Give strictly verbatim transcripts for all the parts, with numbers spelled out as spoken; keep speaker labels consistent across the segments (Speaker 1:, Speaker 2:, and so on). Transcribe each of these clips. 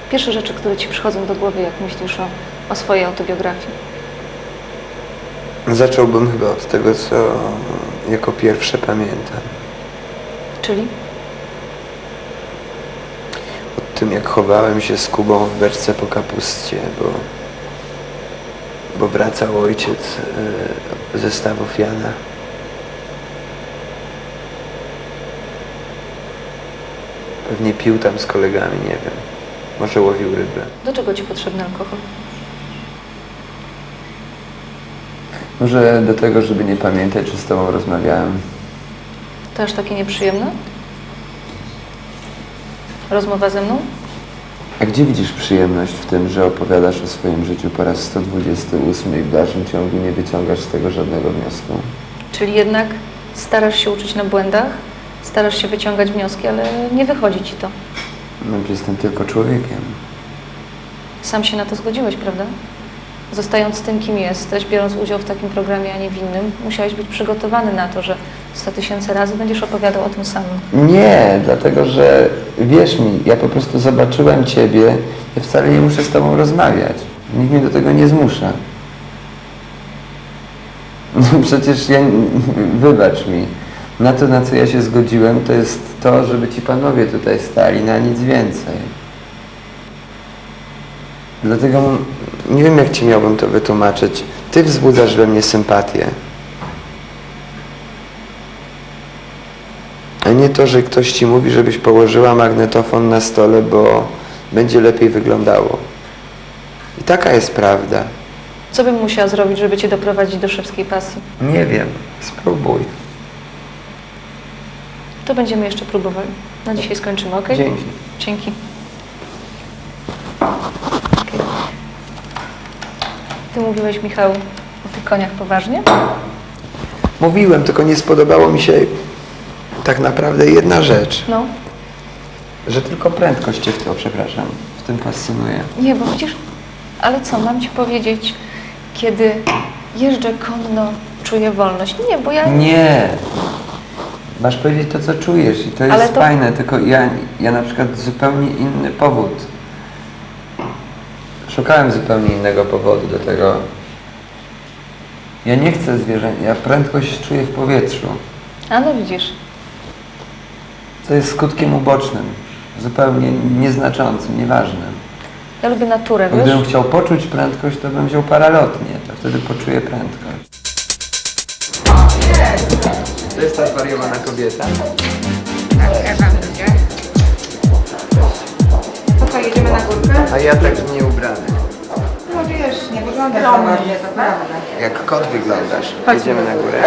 Speaker 1: Pierwsze rzeczy, które ci przychodzą do głowy, jak myślisz o, o swojej autobiografii.
Speaker 2: Zacząłbym chyba od tego, co jako pierwsze pamiętam.
Speaker 1: Czyli?
Speaker 2: O tym, jak chowałem się z Kubą w beczce po kapustie, bo, bo wracał ojciec y, ze stawów Jana. Pewnie pił tam z kolegami, nie wiem. Może łowił rybę.
Speaker 1: Do czego ci potrzebny alkohol?
Speaker 2: Może do tego, żeby nie pamiętać, czy z tobą rozmawiałem.
Speaker 1: To aż takie nieprzyjemne? Rozmowa ze mną?
Speaker 2: A gdzie widzisz przyjemność w tym, że opowiadasz o swoim życiu po raz sto dwudziesty ósmy i w dalszym ciągu nie wyciągasz z tego żadnego wniosku?
Speaker 1: Czyli jednak starasz się uczyć na błędach, starasz się wyciągać wnioski, ale nie wychodzi ci to.
Speaker 2: No, jestem tylko człowiekiem.
Speaker 1: Sam się na to zgodziłeś, prawda? Zostając tym, kim jesteś, biorąc udział w takim programie, a nie w innym, musiałeś być przygotowany na to, że sto tysięcy razy będziesz opowiadał o tym samym.
Speaker 2: Nie, dlatego że wierz mi, ja po prostu zobaczyłem ciebie, ja wcale nie muszę z tobą rozmawiać. Nikt mnie do tego nie zmusza. No przecież ja, wybacz mi, na to, na co ja się zgodziłem, to jest to, żeby ci panowie tutaj stali, na nic więcej. Dlatego nie wiem, jak ci miałbym to wytłumaczyć. Ty wzbudzasz we mnie sympatię. A nie to, że ktoś ci mówi, żebyś położyła magnetofon na stole, bo będzie lepiej wyglądało. I taka jest prawda.
Speaker 1: Co bym musiała zrobić, żeby cię doprowadzić do szewskiej pasji?
Speaker 2: Nie wiem. Spróbuj.
Speaker 1: To będziemy jeszcze próbowali. Na dzisiaj skończymy, ok?
Speaker 2: Dzięki.
Speaker 1: Dzięki. Okay. Ty mówiłeś, Michał, o tych koniach poważnie?
Speaker 2: Mówiłem, tylko nie spodobało mi się tak naprawdę jedna rzecz.
Speaker 1: No.
Speaker 2: Że tylko prędkość cię w to, przepraszam, w tym fascynuje.
Speaker 1: Nie, bo widzisz, ale co, mam ci powiedzieć, kiedy jeżdżę konno, czuję wolność. Nie, bo ja...
Speaker 2: Nie. Masz powiedzieć to, co czujesz i to jest
Speaker 1: Ale to...
Speaker 2: fajne, tylko ja, ja na przykład zupełnie inny powód. Szukałem zupełnie innego powodu do tego. Ja nie chcę zwierzęć, ja prędkość czuję w powietrzu.
Speaker 1: A no widzisz.
Speaker 2: Co jest skutkiem ubocznym, zupełnie nieznaczącym, nieważnym.
Speaker 1: Ja lubię naturę, wiesz?
Speaker 2: Gdybym chciał poczuć prędkość, to bym wziął paralotnię, to wtedy poczuję prędkość. To jest ta zwariowana kobieta?
Speaker 3: Tak, Ewa będzie. To co, jedziemy na górkę?
Speaker 2: A ja tak nie ubrany.
Speaker 3: No wiesz, nie wygląda za ładnie, to prawda.
Speaker 2: Jak kot wyglądasz. Jedziemy na górę.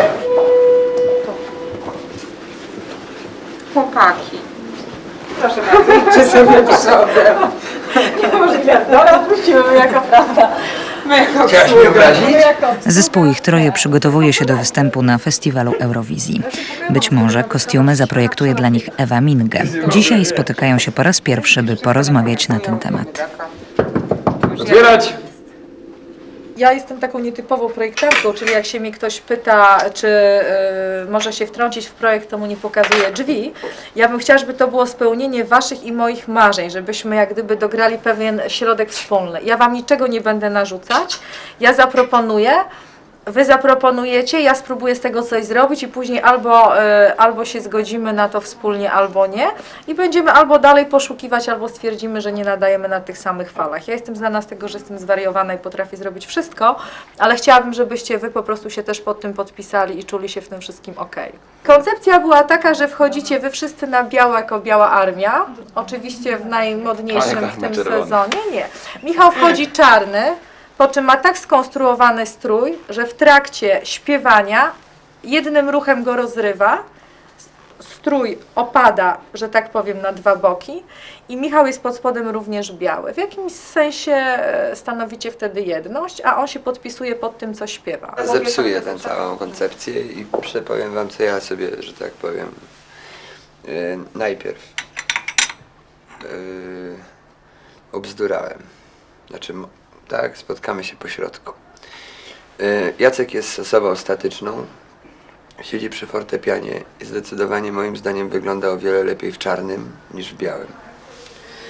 Speaker 3: Chłopaki. Proszę bardzo, idźcie sobie przodem. Nie może gwiazdora, odpuścimy my jako prawda. My jako
Speaker 2: Chciałaś mnie obrazić?
Speaker 4: Zespół Ich Troje przygotowuje się do występu na festiwalu Eurowizji. Być może kostiumy zaprojektuje dla nich Ewa Minge. Dzisiaj spotykają się po raz pierwszy, by porozmawiać na ten temat.
Speaker 2: Otwierać!
Speaker 5: Ja jestem taką nietypową projektantką, czyli jak się mnie ktoś pyta, czy y, może się wtrącić w projekt, to mu nie pokazuję drzwi. Ja bym chciała, żeby to było spełnienie waszych i moich marzeń, żebyśmy jak gdyby dograli pewien środek wspólny. Ja wam niczego nie będę narzucać, ja zaproponuję, wy zaproponujecie, ja spróbuję z tego coś zrobić i później albo, y, albo się zgodzimy na to wspólnie, albo nie. I będziemy albo dalej poszukiwać, albo stwierdzimy, że nie nadajemy na tych samych falach. Ja jestem znana z tego, że jestem zwariowana i potrafię zrobić wszystko, ale chciałabym, żebyście wy po prostu się też pod tym podpisali i czuli się w tym wszystkim ok. Koncepcja była taka, że wchodzicie wy wszyscy na biało jako Biała Armia. Oczywiście w najmodniejszym w tym sezonie. Nie. Michał wchodzi czarny, po czym ma tak skonstruowany strój, że w trakcie śpiewania jednym ruchem go rozrywa, strój opada, że tak powiem, na dwa boki i Michał jest pod spodem również biały. W jakimś sensie stanowicie wtedy jedność, a on się podpisuje pod tym, co śpiewa.
Speaker 2: Zepsuję tę całą koncepcję i przepowiem wam, co ja sobie, że tak powiem, yy, najpierw yy, obzdurałem. Znaczy, tak, spotkamy się po środku. Yy, Jacek jest osobą statyczną, siedzi przy fortepianie i zdecydowanie moim zdaniem wygląda o wiele lepiej w czarnym niż w białym. W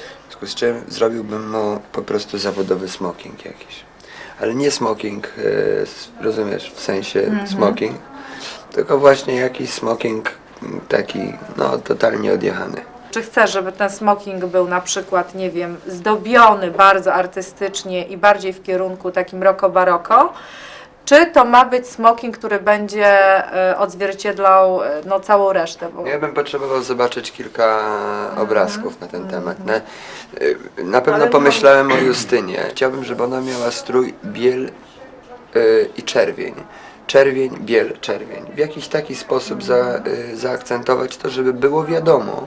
Speaker 2: związku z czym zrobiłbym mu po prostu zawodowy smoking jakiś. Ale nie smoking, e, s- rozumiesz, w sensie smoking, tylko właśnie jakiś smoking m, taki, no, totalnie odjechany.
Speaker 5: Czy chcesz, żeby ten smoking był na przykład, nie wiem, zdobiony bardzo artystycznie i bardziej w kierunku takim roko-baroko? Czy to ma być smoking, który będzie e, odzwierciedlał e, no, całą resztę? Bo...
Speaker 2: Ja bym potrzebował zobaczyć kilka obrazków na ten temat. Na, y, na pewno
Speaker 5: Ale
Speaker 2: pomyślałem o Justynie. Chciałbym, żeby ona miała strój biel y, i czerwień. Czerwień, biel, czerwień. W jakiś taki sposób za, y, zaakcentować to, żeby było wiadomo,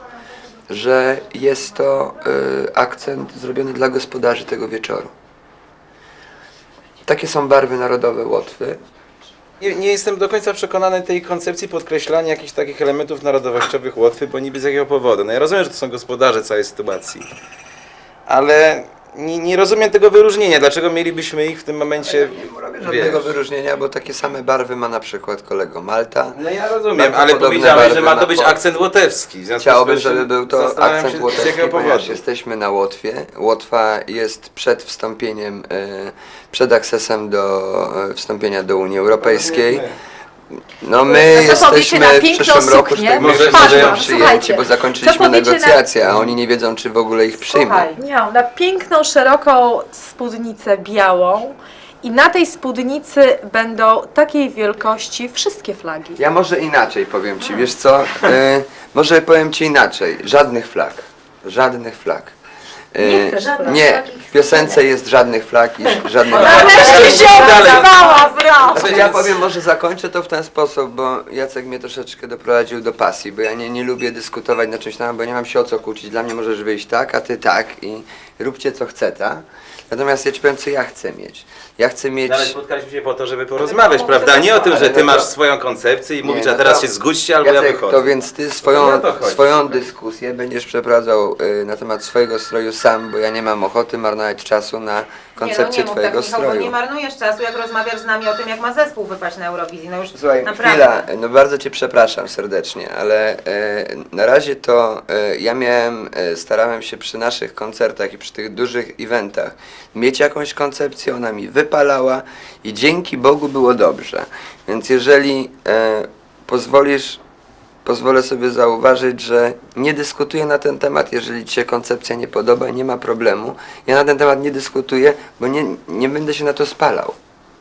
Speaker 2: że jest to y, akcent zrobiony dla gospodarzy tego wieczoru. Takie są barwy narodowe Łotwy.
Speaker 6: Nie, nie jestem do końca przekonany tej koncepcji podkreślania jakichś takich elementów narodowościowych Łotwy, bo niby z jakiego powodu. No ja rozumiem, że to są gospodarze całej sytuacji, ale nie, nie rozumiem tego wyróżnienia. Dlaczego mielibyśmy ich w tym momencie,
Speaker 2: Nie robię żadnego
Speaker 6: wiesz?
Speaker 2: wyróżnienia, bo takie same barwy ma na przykład kolego Malta.
Speaker 6: No ja rozumiem,
Speaker 2: Bardzo
Speaker 6: ale
Speaker 2: podobne
Speaker 6: powiedziałeś, że
Speaker 2: barwy
Speaker 6: ma
Speaker 2: na
Speaker 6: to być
Speaker 2: Pol-
Speaker 6: akcent łotewski. W związku z
Speaker 2: Chciałbym,
Speaker 6: tym
Speaker 2: żeby był to
Speaker 6: zastanawiam
Speaker 2: akcent
Speaker 6: się, z
Speaker 2: łotewski,
Speaker 6: jakiego
Speaker 2: ponieważ
Speaker 6: powodu.
Speaker 2: jesteśmy na Łotwie. Łotwa jest przed wstąpieniem, e, przed akcesem do e, wstąpienia do Unii Europejskiej. No my
Speaker 1: A co powiecie
Speaker 2: jesteśmy
Speaker 1: na
Speaker 2: w
Speaker 1: piękną
Speaker 2: przyszłym roku,
Speaker 1: suknię?
Speaker 2: że tak
Speaker 6: Może-
Speaker 2: może,
Speaker 6: może ja-
Speaker 2: przyjęci,
Speaker 1: słuchajcie,
Speaker 2: bo
Speaker 1: co
Speaker 2: zakończyliśmy
Speaker 1: powiecie na-
Speaker 2: negocjacje, a oni nie wiedzą, czy w ogóle ich przyjmą.
Speaker 5: Słuchaj, miał na piękną, szeroką spódnicę białą i na tej spódnicy będą takiej wielkości wszystkie flagi.
Speaker 2: Ja może inaczej powiem Ci, wiesz co? E, może powiem Ci inaczej. Żadnych flag. Żadnych flag. E,
Speaker 5: Nie chcę żadnych
Speaker 2: nie,
Speaker 5: flag.
Speaker 2: w piosence jest żadnych flag i żadnych
Speaker 5: Nareszcie się odezwała, brawo!
Speaker 2: Znaczy, ja powiem, może zakończę to w ten sposób, bo Jacek mnie troszeczkę doprowadził do pasji, bo ja nie, nie lubię dyskutować na czymś tam, bo nie mam się o co kłócić. Dla mnie możesz wyjść tak, a ty tak i róbcie co chce, tak? Natomiast ja ci powiem, co ja chcę mieć. Ja chcę mieć...
Speaker 6: No ale spotkaliśmy się po to, żeby porozmawiać, prawda? Nie o tym, że
Speaker 2: Ale
Speaker 6: ty
Speaker 2: no
Speaker 6: masz
Speaker 2: to-
Speaker 6: swoją koncepcję i
Speaker 2: Nie,
Speaker 6: mówisz,
Speaker 2: no
Speaker 6: a teraz
Speaker 2: to-
Speaker 6: się zgódźcie albo ja
Speaker 2: Jacek,
Speaker 6: wychodzę.
Speaker 2: to więc ty
Speaker 6: No
Speaker 2: swoją,
Speaker 6: o to chodzi.
Speaker 2: swoją dyskusję będziesz przeprowadzał y, na temat swojego stroju sam, bo ja nie mam ochoty marnować czasu na koncepcję
Speaker 3: nie, no nie
Speaker 2: twojego
Speaker 3: mów tak, Michał, bo
Speaker 2: stroju.
Speaker 3: nie marnujesz czasu, jak rozmawiasz z nami o tym, jak ma zespół wypaść na Eurowizji. No już
Speaker 2: Słuchaj,
Speaker 3: naprawdę.
Speaker 2: chwila, no bardzo Cię przepraszam serdecznie, ale e, na razie to e, ja miałem, e, starałem się przy naszych koncertach i przy tych dużych eventach mieć jakąś koncepcję, ona mi wypalała i dzięki Bogu było dobrze. Więc jeżeli e, pozwolisz, pozwolę sobie zauważyć, że nie dyskutuję na ten temat, jeżeli Ci się koncepcja nie podoba, nie ma problemu. Ja na ten temat nie dyskutuję, bo nie, nie będę się na to spalał.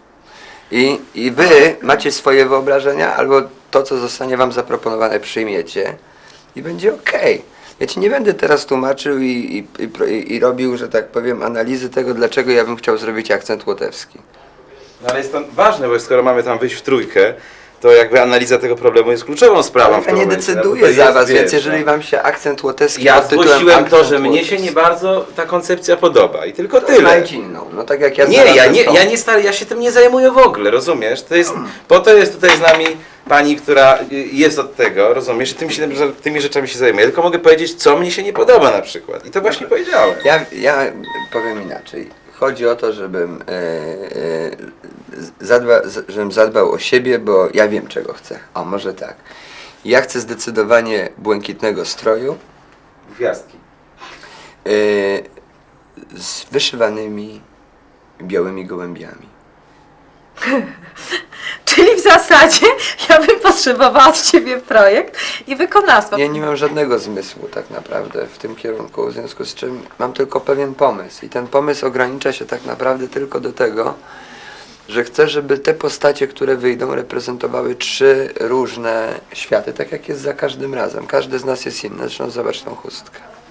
Speaker 2: I, I wy macie swoje wyobrażenia, albo to, co zostanie wam zaproponowane, przyjmiecie i będzie okej. Ja ci nie będę teraz tłumaczył i, i, i, pro- i, i robił, że tak powiem, analizy tego, dlaczego ja bym chciał zrobić akcent łotewski.
Speaker 6: No ale jest to ważne, bo skoro mamy tam wyjść w trójkę, to jakby analiza tego problemu jest kluczową sprawą w
Speaker 2: Ja
Speaker 6: tym
Speaker 2: nie
Speaker 6: momencie, no bo
Speaker 2: decyduję
Speaker 6: to
Speaker 2: za
Speaker 6: jest,
Speaker 2: was,
Speaker 6: wiesz,
Speaker 2: więc jeżeli
Speaker 6: no.
Speaker 2: wam się akcent łotewski
Speaker 6: Ja
Speaker 2: pod tytułem
Speaker 6: zgłosiłem to,
Speaker 2: akcent
Speaker 6: że mnie się
Speaker 2: łotewski,
Speaker 6: nie bardzo ta koncepcja podoba i tylko
Speaker 2: to
Speaker 6: tyle.
Speaker 2: znajdź inną. No tak jak ja
Speaker 6: Nie, ja
Speaker 2: znalazłem
Speaker 6: nie,
Speaker 2: tą.
Speaker 6: ja nie stary, ja się tym nie zajmuję w ogóle, rozumiesz? To jest, po to jest tutaj z nami pani, która y, jest od tego, rozumiesz? I tym się, tymi rzeczami się zajmuję. Tylko mogę powiedzieć, co mnie się nie podoba na przykład. I to właśnie powiedziałem.
Speaker 2: Ja, ja powiem inaczej. Chodzi o to, żebym, e, e, zadba, z- żebym zadbał o siebie, bo ja wiem, czego chcę. O, może tak. Ja chcę zdecydowanie błękitnego stroju
Speaker 6: Gwiazdki.
Speaker 2: e, z wyszywanymi białymi gołębiami.
Speaker 5: Czyli w zasadzie ja bym potrzebowała od Ciebie projekt i wykonawstwo.
Speaker 2: Ja nie mam żadnego zmysłu tak naprawdę w tym kierunku, w związku z czym mam tylko pewien pomysł. I ten pomysł ogranicza się tak naprawdę tylko do tego, że chcę, żeby te postacie, które wyjdą, reprezentowały trzy różne światy, tak jak jest za każdym razem. Każdy z nas jest inny, zresztą zobacz tą chustkę.